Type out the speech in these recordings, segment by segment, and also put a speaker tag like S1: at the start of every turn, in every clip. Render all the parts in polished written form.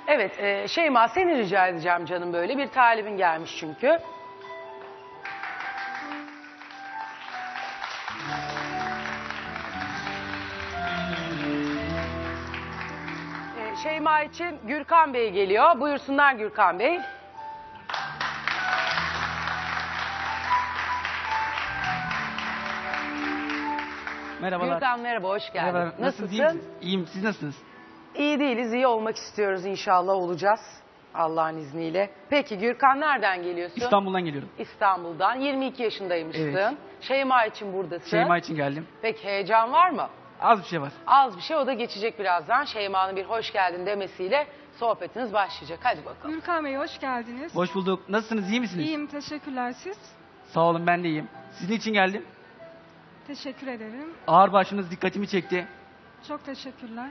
S1: Evet, Şeyma seni rica edeceğim canım böyle. Bir talibin gelmiş çünkü. Şeyma için Gürkan Bey geliyor. Buyursunlar Gürkan Bey.
S2: Merhabalar.
S1: Gürkan merhaba, hoş geldin.
S2: Merhaba.
S1: Nasılsın?
S2: İyi misiniz? İyiyim. Siz nasılsınız?
S1: İyi değiliz, iyi olmak istiyoruz inşallah olacağız. Allah'ın izniyle. Peki Gürkan nereden geliyorsun?
S2: İstanbul'dan geliyorum.
S1: İstanbul'dan. 22 yaşındaymışsın.
S2: Evet.
S1: Şeyma için buradasın.
S2: Şeyma için geldim.
S1: Peki heyecan var mı?
S2: Az bir şey var.
S1: Az bir şey, o da geçecek birazdan. Şeyma'nın bir hoş geldin demesiyle sohbetiniz başlayacak. Hadi bakalım.
S3: Gürkan Bey hoş geldiniz.
S2: Hoş bulduk. Nasılsınız? İyi misiniz?
S3: İyiyim, teşekkürler siz.
S2: Sağ olun, ben de iyiyim. Sizin için geldim.
S3: Teşekkür ederim.
S2: Ağır başınız dikkatimi çekti.
S3: Çok teşekkürler.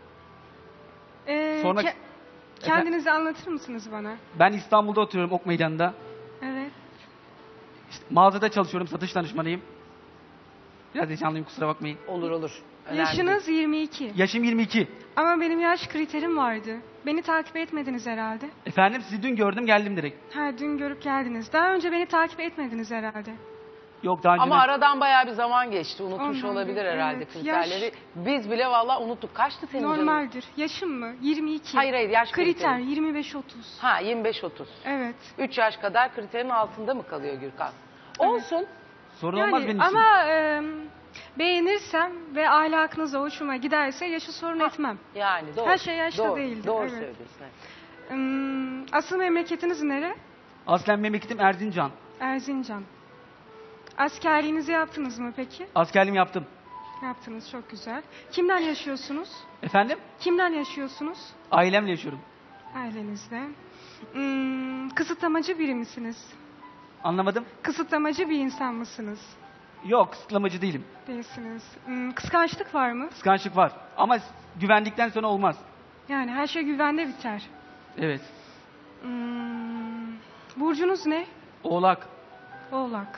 S2: Sonra-
S3: Kendinizi anlatır mısınız bana?
S2: Ben İstanbul'da oturuyorum, Ok Meydanı'nda.
S3: Evet.
S2: İşte mağazada çalışıyorum, satış danışmanıyım. Biraz heyecanlıyım, kusura bakmayın.
S1: Olur olur. Önemli
S3: Yaşınız 22.
S2: Yaşım 22.
S3: Ama benim yaş kriterim vardı. Beni takip etmediniz herhalde.
S2: Efendim, sizi dün gördüm, geldim direkt.
S3: Ha, dün görüp geldiniz. Daha önce beni takip etmediniz herhalde.
S2: Yok, daha önce
S1: Ama aradan bayağı bir zaman geçti. Unutmuş
S3: Ondan
S1: olabilir
S3: bir-
S1: herhalde
S3: evet,
S1: kriterleri.
S3: yaş-
S1: Biz bile vallahi unuttuk. Kaçtı senin canın?
S3: Normaldir. Yaşım mı? 22.
S1: Hayır hayır, yaş
S3: Kriter
S1: kriteri.
S3: 25-30.
S1: Ha 25-30.
S3: Evet.
S1: 3 yaş kadar kriterin altında mı kalıyor Gürkan? Olsun.
S2: sorun olmaz benim için.
S3: ama beğenirsem ve ahlakınıza hoşuma giderse yaşı sorun etmem.
S1: Yani doğru.
S3: Her şey yaşta
S1: doğru,
S3: değildir,
S1: Doğru
S3: evet.
S1: söylüyorsun. evet.
S3: Asıl memleketiniz nere?
S2: Aslen memleketim Erzincan.
S3: Erzincan. Askerliğinizi yaptınız mı peki?
S2: Askerliğimi yaptım.
S3: Yaptınız, çok güzel. Kimden yaşıyorsunuz?
S2: Efendim?
S3: Kimden yaşıyorsunuz?
S2: Ailemle yaşıyorum.
S3: Ailenizle. Kısıtlamacı biri misiniz?
S2: Anlamadım.
S3: Kısıtlamacı bir insan mısınız?
S2: Yok, kısıtlamacı değilim.
S3: Değilsiniz. Kıskançlık var mı?
S2: Kıskançlık var. Ama güvendikten sonra olmaz.
S3: Yani her şey güvende biter.
S2: Evet.
S3: Burcunuz ne?
S2: Oğlak.
S3: Oğlak.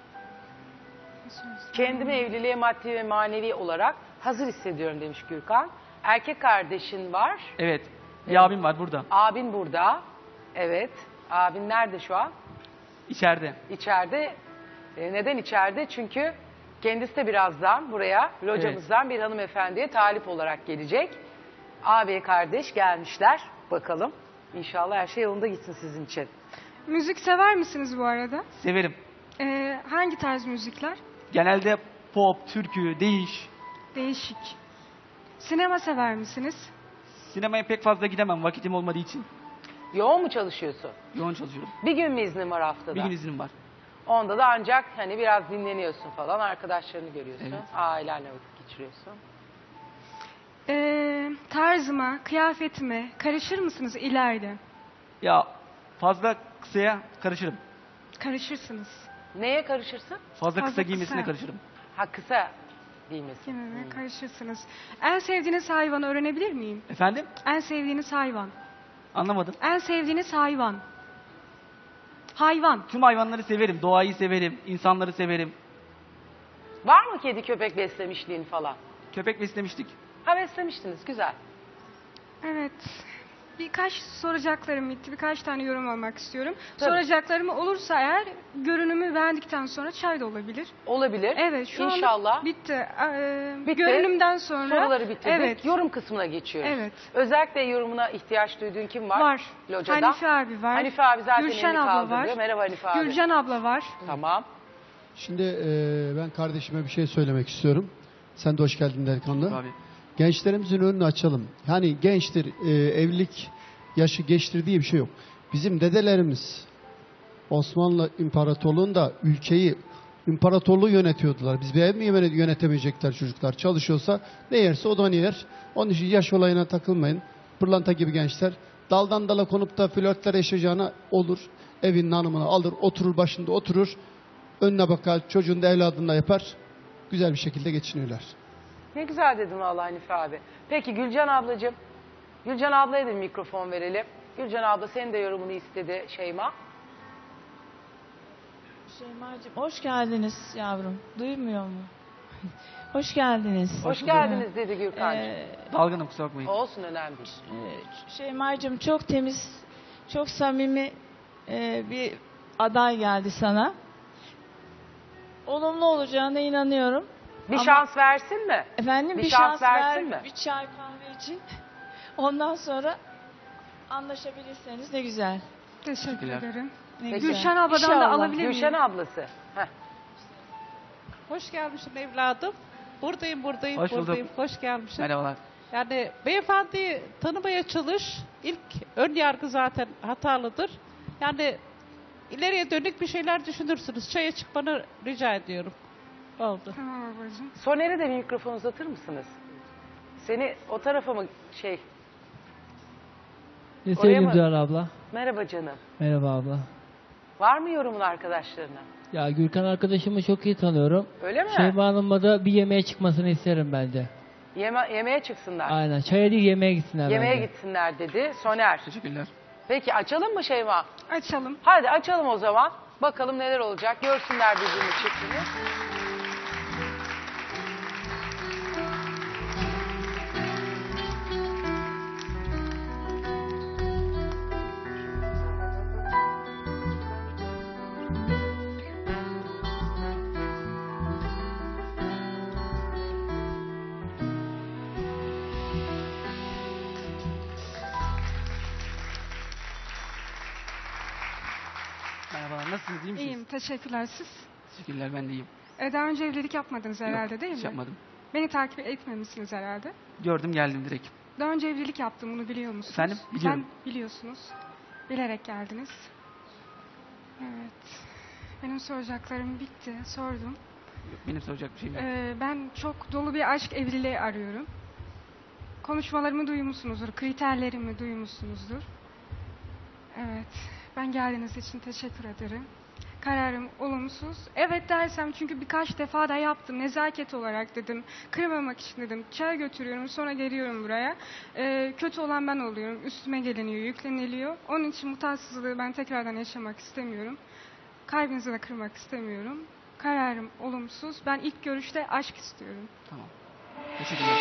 S1: Kendimi evliliğe maddi ve manevi olarak hazır hissediyorum demiş Gürkan. Erkek kardeşin var.
S2: Evet. Bir abim var burada.
S1: Abin burada. Evet. Abin nerede şu an?
S2: İçeride.
S1: İçeride. Neden içeride? Çünkü kendisi de birazdan buraya locamızdan bir hanımefendiye talip olarak gelecek. Abi kardeş gelmişler. Bakalım. İnşallah her şey yolunda gitsin sizin için.
S3: Müzik sever misiniz bu arada?
S2: Severim.
S3: Hangi tarz müzikler?
S2: Genelde pop, türkü, değiş.
S3: Değişik. Sinema sever misiniz?
S2: Sinemaya pek fazla gidemem vakitim olmadığı için.
S1: Yoğun mu çalışıyorsun?
S2: Yoğun çalışıyorum.
S1: Bir gün mü iznin var haftada?
S2: Bir gün iznim var.
S1: Onda da ancak hani biraz dinleniyorsun falan. Arkadaşlarını görüyorsun.
S2: Evet.
S1: Ailenle vakit geçiriyorsun.
S3: Tarzıma, kıyafetime karışır mısınız ileride?
S2: Ya fazla kısaya karışırım.
S3: Karışırsınız.
S1: Neye karışırsın?
S2: Fazla kısa
S3: Fazla
S2: giymesine
S3: kısa.
S2: karışırım.
S1: Ha kısa giymesin.
S3: Kimime karışırsınız. En sevdiğiniz hayvanı öğrenebilir miyim?
S2: Efendim?
S3: En sevdiğiniz hayvan.
S2: Anlamadım.
S3: En sevdiğiniz hayvan. Hayvan.
S2: Tüm hayvanları severim. Doğayı severim. İnsanları severim.
S1: Var mı kedi köpek beslemişliğin falan?
S2: Köpek beslemiştik.
S1: Ha beslemiştiniz. Güzel.
S3: Evet. Birkaç soracaklarım bitti. Birkaç tane yorum almak istiyorum.
S1: Tabii.
S3: Soracaklarım olursa eğer görünümü beğendikten sonra çay da olabilir.
S1: Olabilir.
S3: Evet, şu
S1: İnşallah.
S3: anda bitti.
S1: Bitti.
S3: Görünümden sonra
S1: Soruları bitirdik.
S3: Evet.
S1: Yorum kısmına geçiyoruz.
S3: Evet.
S1: Özellikle yorumuna ihtiyaç duyduğun kim var?
S3: Var.
S1: Locada.
S3: Hanife abi var.
S1: Hanife abi zaten
S3: Gülşen
S1: elini
S3: abla
S1: kaldırıyor.
S3: var.
S1: Merhaba Hanife abi.
S3: Gülcan abla var.
S1: Tamam.
S4: Şimdi ben kardeşime bir şey söylemek istiyorum. Sen de hoş geldin delikanlı.
S2: Abi.
S4: Gençlerimizin önünü açalım. Yani gençtir, evlilik yaşı geçtir diye bir şey yok. Bizim dedelerimiz Osmanlı İmparatorluğu'nda ülkeyi, imparatorluğu yönetiyordular. Biz bir ev mi yönetemeyecekler çocuklar? Çalışıyorsa ne yerse o da onu yer. Onun için yaş olayına takılmayın. Pırlanta gibi gençler daldan dala konup da flörtler yaşayacağına olur. Evinin hanımını alır, oturur başında oturur. Önüne bakar, çocuğunu da evladını da yapar. Güzel bir şekilde geçiniyorlar.
S1: Ne güzel dedin vallahi Hanife abi. Peki Gülcan ablacığım. Gülcan ablaya da bir mikrofon verelim. Gülcan abla senin de yorumunu istedi Şeyma.
S5: Şeyma'cığım hoş geldiniz yavrum. Duymuyor mu? Hoş geldiniz.
S1: Hoş geldiniz dedi Gürkan'cığım.
S2: Dalgınım, kusura bakmayın.
S1: Olsun, önemli değil.
S5: Şeyma'cığım çok temiz, çok samimi bir aday geldi sana. Olumlu olacağına inanıyorum.
S1: Bir
S5: Ama-
S1: şans versin mi?
S5: Efendim
S1: Bir
S5: bir
S1: şans
S5: şans
S1: versin
S5: ver,
S1: mi?
S5: bir çay kahve için. Ondan sonra anlaşabilirseniz ne güzel.
S3: Teşekkür
S2: Teşekkürler.
S3: ederim.
S5: Ne
S1: Peki.
S5: güzel.
S3: Gülşen abladan da
S5: İnşallah.
S3: alabilir miyim?
S1: Gülşen ablası. Heh.
S6: Hoş gelmişsin evladım. Buradayım.
S2: Hoş bulduk.
S6: Buradayım. Hoş gelmişsin.
S2: Merhabalar.
S6: Yani beyefendiyi tanımaya çalış. İlk ön yargı zaten hatalıdır. Yani ileriye dönük bir şeyler düşünürsünüz. Çaya çıkmanı rica ediyorum. Oldu.
S3: Tamam ablacığım.
S1: Soner'e de bir mikrofon uzatır mısınız? Seni o tarafa mı
S7: Ne
S1: Oraya
S7: söyleyeyim
S1: mı?
S7: Zuhal abla?
S1: Merhaba canım.
S7: Merhaba abla.
S1: Var mı yorumun arkadaşlarına?
S7: Ya Gürkan arkadaşımı çok iyi tanıyorum.
S1: Öyle mi?
S7: Şeyma Hanım'la da bir yemeğe çıkmasını isterim bence.
S1: Yemeğe çıksınlar.
S7: Aynen. Çaya değil yemeğe gitsinler
S1: Yemeğe
S7: bence.
S1: gitsinler dedi Soner.
S2: Teşekkürler.
S1: Peki açalım mı Şeyma?
S3: Açalım.
S1: Hadi açalım o zaman. Bakalım neler olacak. Görsünler birbirini, çiftini.
S2: Merhabalar, nasılsınız, iyi misiniz?
S3: İyiyim. Teşekkürler siz.
S2: Teşekkürler, ben de iyiyim.
S3: Daha önce evlilik yapmadınız herhalde değil mi?
S2: Hiç yapmadım.
S3: Beni takip etmemişsiniz herhalde.
S2: Gördüm, geldim direkt.
S3: Daha önce evlilik yaptım, bunu biliyor musunuz?
S2: Efendim? Biliyorum.
S3: Biliyorsunuz. Bilerek geldiniz. Evet. Benim soracaklarım bitti. Sordum.
S2: Benim soracak bir şeyim yok.
S3: Ben çok dolu bir aşk evliliği arıyorum. Konuşmalarımı duymuşsunuzdur. Kriterlerimi duymuşsunuzdur. Evet. Ben geldiğiniz için teşekkür ederim. Kararım olumsuz. Evet dersem çünkü birkaç defa da yaptım. Nezaket olarak dedim. Kırmamak için dedim. Çay götürüyorum sonra geliyorum buraya. Kötü olan ben oluyorum. Üstüme geliniyor, yükleniliyor. Onun için mutatsızlığı ben tekrardan yaşamak istemiyorum. Kalbinizi de kırmak istemiyorum. Kararım olumsuz. Ben ilk görüşte aşk istiyorum.
S2: Tamam. Teşekkürler.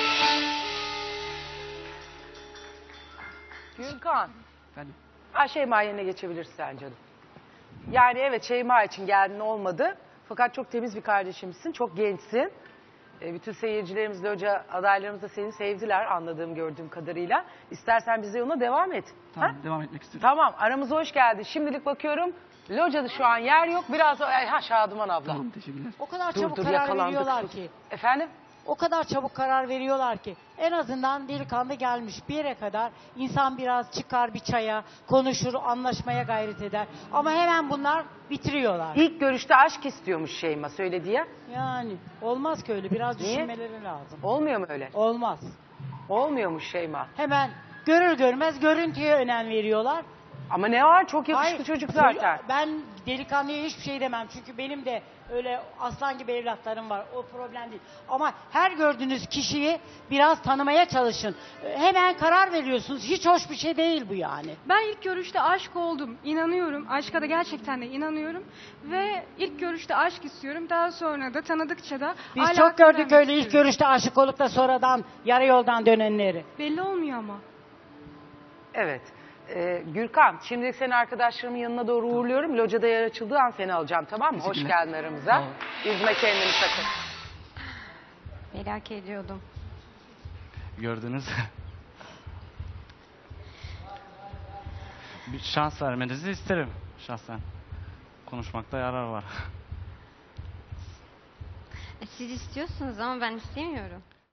S1: Gülkan.
S2: Efendim.
S1: Şeyma yerine geçebilirsen canım. Yani evet, Şeyma için geldin, olmadı. Fakat çok temiz bir kardeşimsin. Çok gençsin. Bütün seyircilerimiz de, hoca adaylarımız da seni sevdiler anladığım, gördüğüm kadarıyla. İstersen biz de yoluna devam et.
S2: Tamam,
S1: Ha?
S2: devam etmek istiyorum.
S1: Tamam, aramıza hoş geldin. Şimdilik bakıyorum. Locada şu an yer yok. Biraz Şaduman abla.
S2: Tamam, teşekkürler.
S8: O kadar
S1: Dur
S8: çabuk
S1: dur,
S8: karar
S1: yakalandık.
S8: veriyorlar
S1: Sus.
S8: ki.
S1: Efendim?
S8: O kadar çabuk karar veriyorlar ki. En azından delikanlı gelmiş bir yere kadar insan biraz çıkar bir çaya, konuşur, anlaşmaya gayret eder. Ama hemen bunlar bitiriyorlar.
S1: İlk görüşte aşk istiyormuş Şeyma, söyledi ya.
S8: Yani olmaz ki öyle. Biraz
S1: Niye?
S8: düşünmeleri lazım.
S1: Olmuyor mu öyle?
S8: Olmaz.
S1: Olmuyormuş Şeyma.
S8: Hemen görür görmez görüntüye önem veriyorlar.
S1: Ama ne var? Çok yakışıklı
S8: Hayır,
S1: çocuk zaten.
S8: Ben delikanlıya hiçbir şey demem. Çünkü benim de öyle aslan gibi evlatlarım var. O problem değil. Ama her gördüğünüz kişiyi biraz tanımaya çalışın. Hemen karar veriyorsunuz. Hiç hoş bir şey değil bu yani.
S3: Ben ilk görüşte aşık oldum. İnanıyorum. Aşka da gerçekten de inanıyorum. Ve ilk görüşte aşk istiyorum. Daha sonra da tanıdıkça da
S8: Biz
S3: hala
S8: çok gördük
S3: öğrenmek
S8: öyle ilk
S3: istiyorum.
S8: görüşte aşık olup da sonradan yarı yoldan dönenleri.
S3: Belli olmuyor ama.
S1: Evet. Gürkan, şimdi seni arkadaşlarımın yanına doğru uğurluyorum. Locada yer açıldığı an seni alacağım, tamam mı? Hoş
S2: Teşekkürler.
S1: geldin aramıza.
S2: Sağ ol.
S1: Üzme kendini sakın.
S3: Merak ediyordum.
S9: Gördünüz. Bir şans vermenizi isterim şahsen. Konuşmakta yarar var.
S10: Siz istiyorsunuz ama ben istemiyorum.